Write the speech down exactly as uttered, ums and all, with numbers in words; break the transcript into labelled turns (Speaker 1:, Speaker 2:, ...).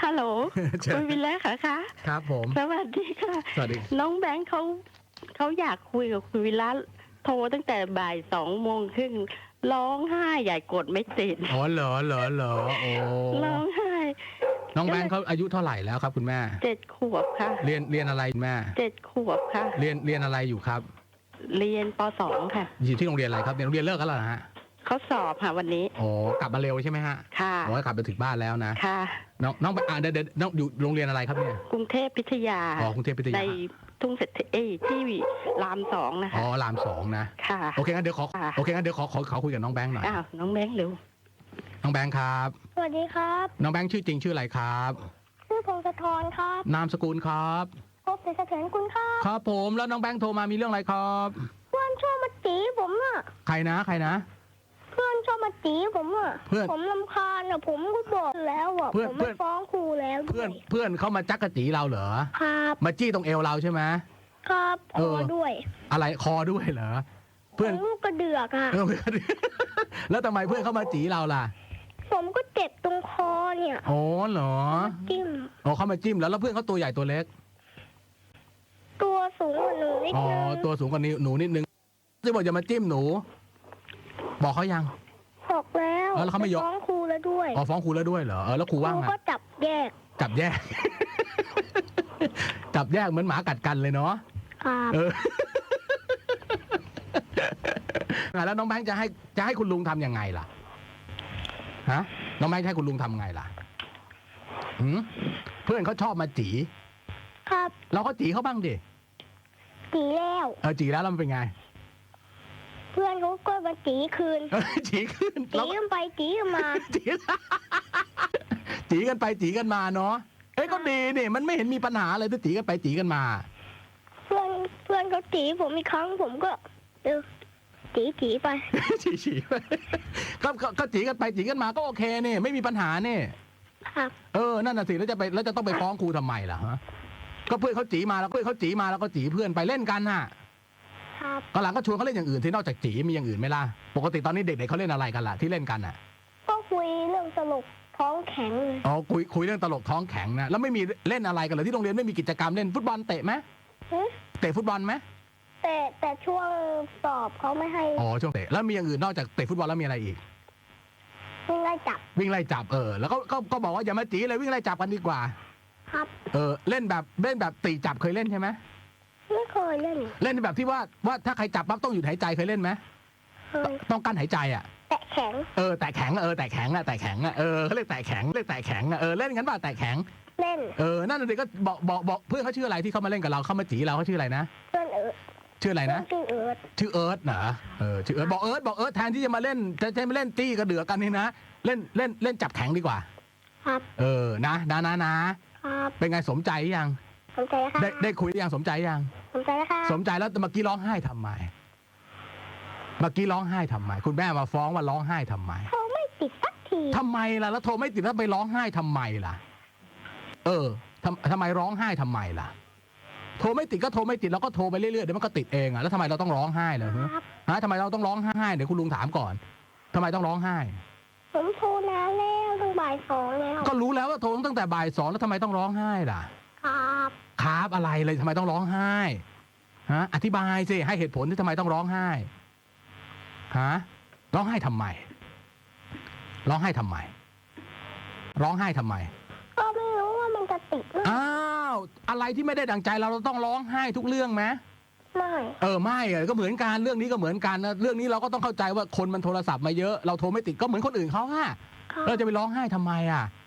Speaker 1: ฮัลโหล
Speaker 2: เชิญ
Speaker 1: คุณวินแล้วค่ะคะ
Speaker 2: ครับผม
Speaker 1: สวัสดีค่ะ
Speaker 2: สวัสดี
Speaker 1: น้องแบงค์เขาเขาอยากคุยกับคุณวินแล้วโทรตั้งแต่บ่ายสองโมงครึ่งร้องไห้ใหญ่กดไม่ติด
Speaker 2: อ๋อเหรอเหรอเหรอโอ้
Speaker 1: ร้องไห้
Speaker 2: น้องแบงค์เขาอายุเท่าไหร่แล้วครับคุณแม่
Speaker 1: เจ็ดขวบค่ะ
Speaker 2: เรียนเรียนอะไรคุณแม่
Speaker 1: เจ็ดขวบค่ะ
Speaker 2: เรียนเรียนอะไรอยู่ครับ
Speaker 1: เรียนปสองค่ะ
Speaker 2: อยู่ที่โรงเรียนอะไรครับเรียนโรงเรียนเลิกกันแล้วนะฮะ
Speaker 1: เขาสอบค่ะวันนี้
Speaker 2: อ๋อกลับมาเร็วใช่ไหมฮะ
Speaker 1: ค่ะ
Speaker 2: อ๋อกลับไปถึงบ้านแล้วนะ
Speaker 1: ค่ะ
Speaker 2: น้องน้องอ่าเดี๋ยวเดี๋ยวน้องอยู่โรงเรียนอะไรครับเนี่ย
Speaker 1: กรุงเทพพิทยา
Speaker 2: อ๋อกรุงเทพพิทยา
Speaker 1: ในทุ่งเศรษฐีเอ้ยที่รามสองนะคะ
Speaker 2: อ๋อรามสองนะ
Speaker 1: ค่ะ
Speaker 2: โอเคงั้นเดี๋ยวขอ
Speaker 1: ค่ะ
Speaker 2: โอเคงั้นเดี๋ยวขอขอขอคุยกับน้องแบงค์หน่อย
Speaker 1: อ้าวน้องแบงค์เร็ว
Speaker 2: น้องแบงค์ครับ
Speaker 3: สวัสดีครับ
Speaker 2: น้องแบงค์ชื่อจริงชื่ออะไรครับ
Speaker 3: ชื่อพงศธรครับ
Speaker 2: นามสกุลครับ
Speaker 3: พบเสถียรกุลครับ
Speaker 2: ครับผมแล้วน้องแบงค์โทรมามีเรื่องอะไรครับ
Speaker 3: เพื่อนชอบมาจีผมอ่ะ
Speaker 2: ใครนะใครนะ
Speaker 3: เพื่อนชอบมาจีผมอ่ะ
Speaker 2: เพื่อน
Speaker 3: ผมลำคาญอ่ะผมก็บอกแล้วอ่ะ
Speaker 2: เพื่อน
Speaker 3: ผม
Speaker 2: เพื่
Speaker 3: ไม่
Speaker 2: อน
Speaker 3: ฟ้องครูแล้วด้
Speaker 2: เพื่อ
Speaker 3: วน ย
Speaker 2: เพื่อนเขามาจักกะจีเราเหรอ
Speaker 3: ครับ
Speaker 2: มาจี้ตรงเอวเราใช่ไหม
Speaker 3: ครับ
Speaker 2: เอ
Speaker 3: ค
Speaker 2: อ
Speaker 3: อด้วย
Speaker 2: อะไรคอด้วยเหรอเพื่อน
Speaker 3: ผมลูกกระเดือกอ่ะ
Speaker 2: เออ แล้วทำไมเพื่อนเขามาจีเราล่ะ
Speaker 3: ผมก็เจ็บตรงคอเนี่ย
Speaker 2: อ๋อเหรอ
Speaker 3: จิ้ม
Speaker 2: อ๋อเขามาจิ้มแล้วแล้วเพื่อนเขาตัวใหญ่ตัวเล็ก
Speaker 3: ตัวสูงกว่าหนูนิด
Speaker 2: อ๋อ
Speaker 3: นึง
Speaker 2: ตัวสูงกว่านี้หนูนิดนึงจะบอกอย่ามาจิ้มหนู บอกเขายัง
Speaker 3: บอกแล้ว
Speaker 2: เออแล้วเขาไม่ยอม
Speaker 3: ฟ้องครูแล้วด้วย
Speaker 2: อ๋อฟ้องครูแล้วด้วยเหรอเออแล้วครู
Speaker 3: ค
Speaker 2: ว่า
Speaker 3: รู
Speaker 2: ไง
Speaker 3: ก็จับแยก
Speaker 2: จับแยก จับแยกเหมือนหมากัดกันเลยเนาะ
Speaker 3: ครับ
Speaker 2: เออ แล้วน้องแบงค์จะให้จะให้คุณลุงทำยังไงล่ะ ฮะ น้องแบงค์จะให้คุณลุงทำไงล่ะหืมเพื่อนเขาชอบมาจี
Speaker 3: ครับ
Speaker 2: เราก็จีเขาบ้างดิ
Speaker 3: จีแล้ว
Speaker 2: เออจีแล้วแล้วมันเป็นไง
Speaker 3: เพื่อนเขาก็มาจีคืน
Speaker 2: เออจีขึ้น
Speaker 3: จี
Speaker 2: เรา
Speaker 3: กันไปจีกันมา
Speaker 2: จี จีกันไปจีกันมาเนาะ เอ้ยก็ดีนี่มันไม่เห็นมีปัญหาเลยถ้าจีกันไปจีกันมา
Speaker 3: เพื่อนเพื่อนเขาจีผมอีกครั้งผมก็เออจีจีไป
Speaker 2: จีจีไปก็ก็ก็จีกันไปจีกันมาก็โอเคนี่ไม่มีปัญหานี่
Speaker 3: ครับ
Speaker 2: เออ นั่นน่ะสิ แล้วจะไปแล้วจะต้องไปฟ้องครูทำไมล่ะฮะ ก็เพื่อนเขาจีมาแล้วเพื่อนเขาจีมาแล้วก็จีเพื่อนไปเล่นกันน่ะ
Speaker 3: ครับ
Speaker 2: ก็หลังก็ชวนเขาเล่นอย่างอื่นที่นอกจากจีมีอย่างอื่นไหมล่ะ ปกติตอนนี้เด็กๆเขาเล่นอะไรกันล่ะที่เล่นกันน่ะ
Speaker 3: ก็คุยเรื่องตลกท้องแข็งเลย
Speaker 2: อ๋อคุยคุยเรื่องตลกท้องแข็งนะ แล้วไม่มีเล่นอะไรกันเลยที่โรงเรียนไม่มีกิจกรรมเล่นฟุตบอลเตะไหม
Speaker 3: หึ
Speaker 2: เตะฟุตบอลไหม
Speaker 3: แต่แต่ช่วงสอบเขาไม่ให้
Speaker 2: อ๋อช่วงเตะ แล้วมีอย่างอื่นนอกจากเตะฟุตบอลแล้วมีอะไรอีก
Speaker 3: วิ่งไล่จับ
Speaker 2: วิ่งไล่จับเออ แล้วก็ก็ก็บอกว่าอย่ามาจีเลยวิ่งไล่จับกันดีกว่า
Speaker 3: ครับ
Speaker 2: เออ เล่นแบบเล่นแบบตีจับเคยเล่นใช่ไหม
Speaker 3: ไม่เคยเล่น
Speaker 2: เล่นแบบที่ว่าว่าถ้าใครจับปั๊บต้องหยุดหายใจเคยเล่นไหม
Speaker 3: เคย
Speaker 2: ต้องกั้นหายใจอ่ะ
Speaker 3: แตะแข็ง
Speaker 2: เออแต่แข็งเออแต่แข็งอะแต่แข็งอะเออเขาเรียกแต่แข็งเรียกแต่แข็งอะเออเล่นกันป่ะแต่แข็ง
Speaker 3: เล่น
Speaker 2: เออนั่นน่ะสิก็บอกบอกบอกเพื่อนเขาชื่ออะไรที่เขามาเล่นกับเราเขามาจีเราเขาชื่ออะไรนะ
Speaker 3: เพื่อนเอิร์ด
Speaker 2: ชื่ออะไร
Speaker 3: เพื่อ
Speaker 2: นะ
Speaker 3: นชื่อเอิร์ด
Speaker 2: ชื่อเอิร์ธเหรอเออชื่อเอิร์ธบอกเอิร์ธบอกเอิร์ธแทนที่จะมาเล่นจะจะมาเล่นตี้กระเดือกกันนี่นะเล่นเล่นเล่นจับแข็งดีกว่า
Speaker 3: ครับ
Speaker 2: เออนะนะนะนะครับ เป็นไงสมใจยัง
Speaker 3: สนใจแล้วครับ
Speaker 2: ได้ได้คุยหรือยังสมใจยัง
Speaker 3: สนใจแล้วครับ
Speaker 2: สมใจแล้วเมื่อกี้ร้องไห้ทำไมเมื่อกี้ร้องไห้ทำไม คุณแม่มาฟ้องว่าร้องไห้ทำไม
Speaker 3: เขาไม่ติดสักที
Speaker 2: ทำไมล่ะแล้วโทรไม่ติดแล้วไปร้องไห้ทำไมล่ะ เออทำทำไมร้องไห้ทำไมล่ะ โทรไม่ติดก็โทรไม่ติดแล้วก็โทรไปเรื่อยๆเดี๋ยวมันก็ติดเองอ่ะแล้วทำไมเราต้องร้องไห้เลยฮะ
Speaker 3: ครับ
Speaker 2: ฮะทำไมเราต้องร้องไห้เดี๋ยวคุณลุงถามก่อนทำไมต้องร้องไห้
Speaker 3: ผมโทรนานแล้วตั้งบ่ายสองแล้ว
Speaker 2: ก็รู้แล้วว่าโทรตั้งแต่บ่ายสองแล้วทำไมต้องร้องไห้ล่ะ
Speaker 3: ครับ
Speaker 2: ครับอะไรเลยทำไมต้องร้องไห้ฮะอธิบายสิให้เหตุผลที่ทำไมต้องร้องไห้ฮะร้องไห้ทำไม ร้องไห้ทำไม ร้องไห้ทำไม
Speaker 3: ก็ไม่รู้ว่ามันจะติดหรือ
Speaker 2: อ้าวอะไรที่ไม่ได้ดังใจเราเราต้องร้องไห้ทุกเรื่องไหม
Speaker 3: ไม่
Speaker 2: เออไม่อะก็เหมือนกันเรื่องนี้ก็เหมือนกันนะเรื่องนี้เราก็ต้องเข้าใจว่าคนมันโทรศัพท์มาเยอะเราโทรไม่ติดก็เหมือนคนอื่นเขาอะ
Speaker 3: ครับ
Speaker 2: เราจะไปร้องไห้ทำไมอะ